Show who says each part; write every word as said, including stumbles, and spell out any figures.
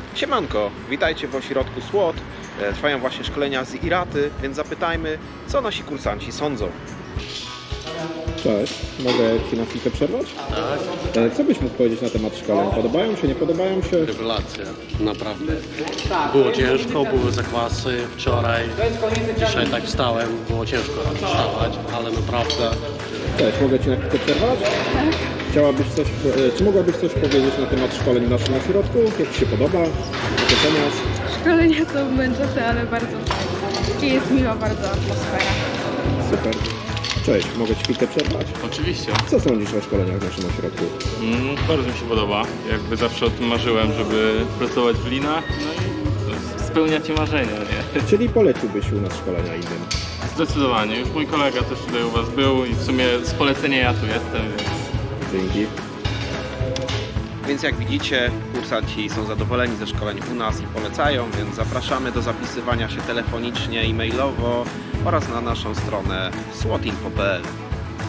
Speaker 1: Siemanko, witajcie w ośrodku SWOT. Trwają właśnie szkolenia z IRATY, więc zapytajmy, co nasi kursanci sądzą. Cześć, mogę Ci na chwilkę przerwać?
Speaker 2: Tak,
Speaker 1: Co byś mógł powiedzieć na temat szkoleń? Podobają się, nie podobają się?
Speaker 2: rewelacja, naprawdę. Było ciężko, były zakwasy wczoraj, dzisiaj tak wstałem, było ciężko wstawać, ale naprawdę
Speaker 1: Cześć, mogę Ci na chwilkę przerwać? Chciałabyś coś, czy mogłabyś coś powiedzieć na temat szkoleń w naszym ośrodku? Jak Ci się podoba? Jak oceniasz?
Speaker 3: Szkolenia są męczące, ale bardzo fajne. I jest miła bardzo atmosfera.
Speaker 1: Super. Cześć, mogę Ci chwilkę przerwać?
Speaker 4: Oczywiście.
Speaker 1: Co sądzisz o szkoleniach w naszym ośrodku?
Speaker 4: Mm, bardzo mi się podoba. Jakby zawsze o tym marzyłem, żeby pracować w linach. No i spełnia Ci marzenia, nie?
Speaker 1: Czyli poleciłbyś u nas szkolenia innym?
Speaker 4: Zdecydowanie. Już mój kolega też tutaj u Was był i w sumie z polecenia ja tu jestem, więc...
Speaker 1: Dzięki. Więc jak widzicie, kursanci są zadowoleni ze szkoleń u nas i polecają, więc zapraszamy do zapisywania się telefonicznie i mailowo oraz na naszą stronę swotinfo kropka p l.